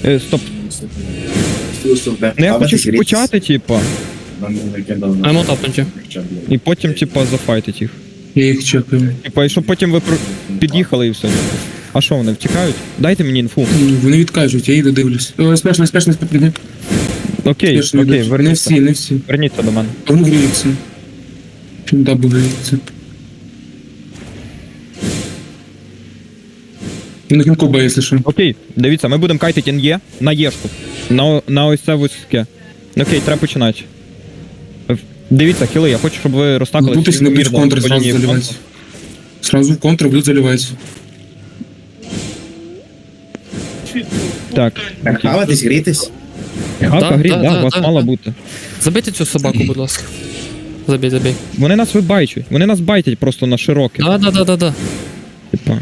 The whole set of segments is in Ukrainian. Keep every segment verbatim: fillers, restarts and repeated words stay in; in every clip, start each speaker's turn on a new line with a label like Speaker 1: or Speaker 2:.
Speaker 1: Е, стоп. Ну я хочу почати, типа.
Speaker 2: Емо тапнуті.
Speaker 1: І потім, типа, зафайтить їх.
Speaker 3: Я їх чекаю.
Speaker 1: Типа, і щоб потім ви про... під'їхали і все. А що вони втікають? Дайте мені інфу.
Speaker 3: Ну, вони відкажуть, я їду дивлюсь. О, спешно, спешно, спешно.
Speaker 1: Окей,
Speaker 3: Спешно
Speaker 1: окей,
Speaker 3: йдуть. Не
Speaker 1: верніться.
Speaker 3: всі, не всі.
Speaker 1: Верніться до мене.
Speaker 3: А вони гріються. Чим дабу гріються. На кінкоба, якщо що.
Speaker 1: Окей, дивіться, ми будемо кайтити ен є на Єшку. На, на ось це вузьке. Окей, треба починати. В- Дивіться, хіли, я хочу, щоб ви розтакали.
Speaker 3: Будуть не будуть в контр сразу заливати. Сразу в контр будуть заливати.
Speaker 1: Так.
Speaker 4: Хаватись, грітись.
Speaker 1: Хавка,
Speaker 2: Да,
Speaker 1: гріть,
Speaker 2: да,
Speaker 1: да,
Speaker 2: да,
Speaker 1: вас
Speaker 2: да,
Speaker 1: мало
Speaker 2: да.
Speaker 1: бути.
Speaker 2: Забийте цю собаку, будь ласка. Забій, забій.
Speaker 1: Вони нас вибайчують, вони нас байтять просто на широке.
Speaker 2: Да, да, да, да, да.
Speaker 1: Типа.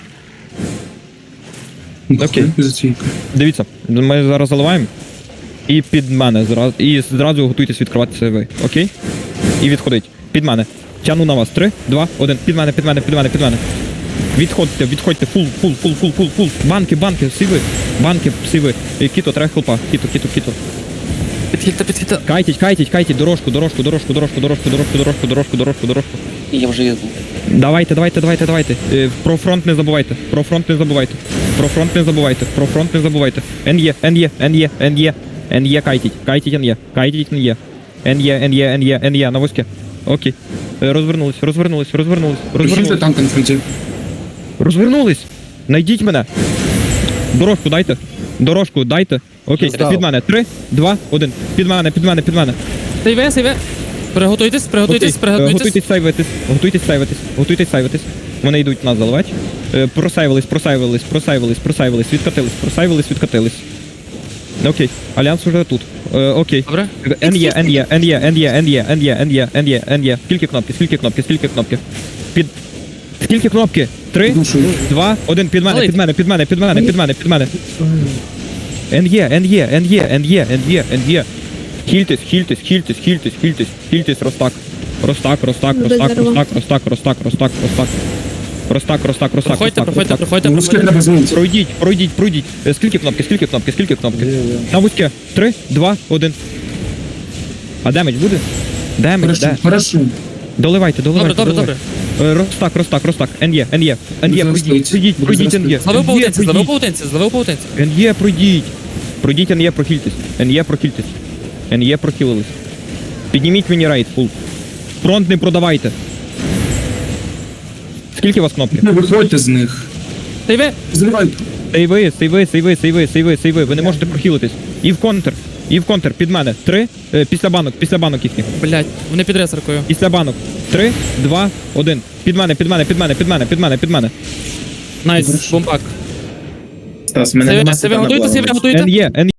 Speaker 3: Ну,
Speaker 1: Окей.
Speaker 3: хуй затійка.
Speaker 1: Дивіться, ми зараз заливаємо. І під мене зразу. І зразу готуйтесь відкривати сейви. Окей? І відходить. Під мене. Тяну на вас. Три, два, один. Під мене, під мене, під мене, під мене. Відходьте, відходьте. Фул, фул, фул, фул, фул, фул. Банки, банки, сиви. Банки, сиви. Е, Кіто, треба хелпа. Кіто, кіто, кіто.
Speaker 2: Підхильте, підхильте.
Speaker 1: Кайтіть, кайтіть, кайтіть. Дорожку, дорожку, дорожку, дорожку, дорожку, дорожку, дорожку, дорожку, дорожку, дорожку.
Speaker 5: Я вже їду.
Speaker 1: Давайте, давайте, давайте, давайте. Е, Про фронт не забувайте. Про фронт не забувайте. Про фронт не забувайте. Про фронт не забувайте. НЄ, НЄ, НЄ, НЄ. НЄ кайтіть. Кайтіть НЄ. Кайтіть НЄ. НЄ, НЄ, НЄ, НЄ. На вузьке. Окей. Е, Розвернулись, розвернулись, розвернулись,
Speaker 3: Прихильте
Speaker 1: розвернулись.
Speaker 3: танк на фронті.
Speaker 1: Розвернулись. Найдіть мене. Дорожку дайте. Дорожку дайте. Окей,
Speaker 5: Здав.
Speaker 1: під мене. Три, два, один. Під мене, під мене, під мене.
Speaker 2: Сейве, сейве. Приготуйтесь, приготуйтесь,
Speaker 1: Окей, е,
Speaker 2: приготуйтесь.
Speaker 1: Готуйтесь сайвитись, готуйтесь сайвитись, готуйтесь сайвитись. Вони йдуть нас заливати. Е, Просайвились, просайвились, просайвились, просайвились, відкатились, просайвились, відкатились. Окей, Альянс уже тут. Е, Окей.
Speaker 2: Добре?
Speaker 1: НЄ, НЄ, НЄ, НЄ, НЄ, НЄ, НЄ, НЄ, НЄ. Скільки кнопки, скільки кнопки, скільки кнопки? Під... Скільки кнопки? Три,
Speaker 3: Душою.
Speaker 1: два, один, під мене,
Speaker 2: Малий.
Speaker 1: під мене, під мене, під мене, під мене, під мене. НЄ, НЄ, НЄ, НЄ, НЄ, НЄ. Хільтесь, хільтесь, хільтесь, хільтесь, хільтесь, хільтесь, Ростак. Ростак, Ростак, Ростак, Ростак, Ростак, Ростак, Ростак, Ростак. Ростак, Ростак, Ростак,
Speaker 2: Проходьте,
Speaker 1: Ростак,
Speaker 2: проходьте,
Speaker 1: Ростак.
Speaker 2: проходьте,
Speaker 3: Ну, русських
Speaker 2: проходьте.
Speaker 3: треба звонити.
Speaker 1: Пройдіть, пройдіть, пройдіть. Е, Скільки кнопки, скільки кнопки, скільки кнопки? На вузьке. Три, два, один. А демедж буде? Демедж,
Speaker 3: Хорошо,
Speaker 1: де?
Speaker 3: хорошо.
Speaker 1: Доливайте,
Speaker 2: Добре,
Speaker 1: доливайте,
Speaker 2: добре, добре.
Speaker 1: доливайте. Е, Ростак, Ростак, Ростак. НЄ, НЄ, НЄ,
Speaker 3: Буду
Speaker 1: пройдіть,
Speaker 3: зростати.
Speaker 1: пройдіть,
Speaker 3: Буду
Speaker 1: пройдіть
Speaker 3: зростати.
Speaker 1: НЄ.
Speaker 2: Зловив
Speaker 1: НЄ,
Speaker 2: паутинці, зловив
Speaker 1: пройдіть.
Speaker 2: паутинці, зловив паутинці.
Speaker 1: НЄ, пройдіть. Пройдіть НЄ, прохильтесь. НЄ, прохильтесь. НЄ, прохилились. Підніміть мені рейд, фул. Фронт не продавайте. Скільки у вас кнопки?
Speaker 3: Не виходьте з них.
Speaker 2: Сейве.
Speaker 3: Заливайте.
Speaker 1: Сейви, сейви, сейви, сейви, сейви, сейви. Ви не можете прохилитись. І в контр. І в контр. Під мене. Три. Е, після банок, після банок їхніх.
Speaker 2: Блять, вони під ресеркою.
Speaker 1: Після банок. Три, два, один. Під мене, під мене, під мене, під мене, під мене, під мене.
Speaker 2: Найс, бомбак.
Speaker 4: Стас, мене
Speaker 2: Сейве,
Speaker 4: нема
Speaker 2: сейве,
Speaker 4: сета на
Speaker 2: готуйте,
Speaker 4: плаву.
Speaker 2: сейве, готуйте.
Speaker 1: НЄ, НЄ.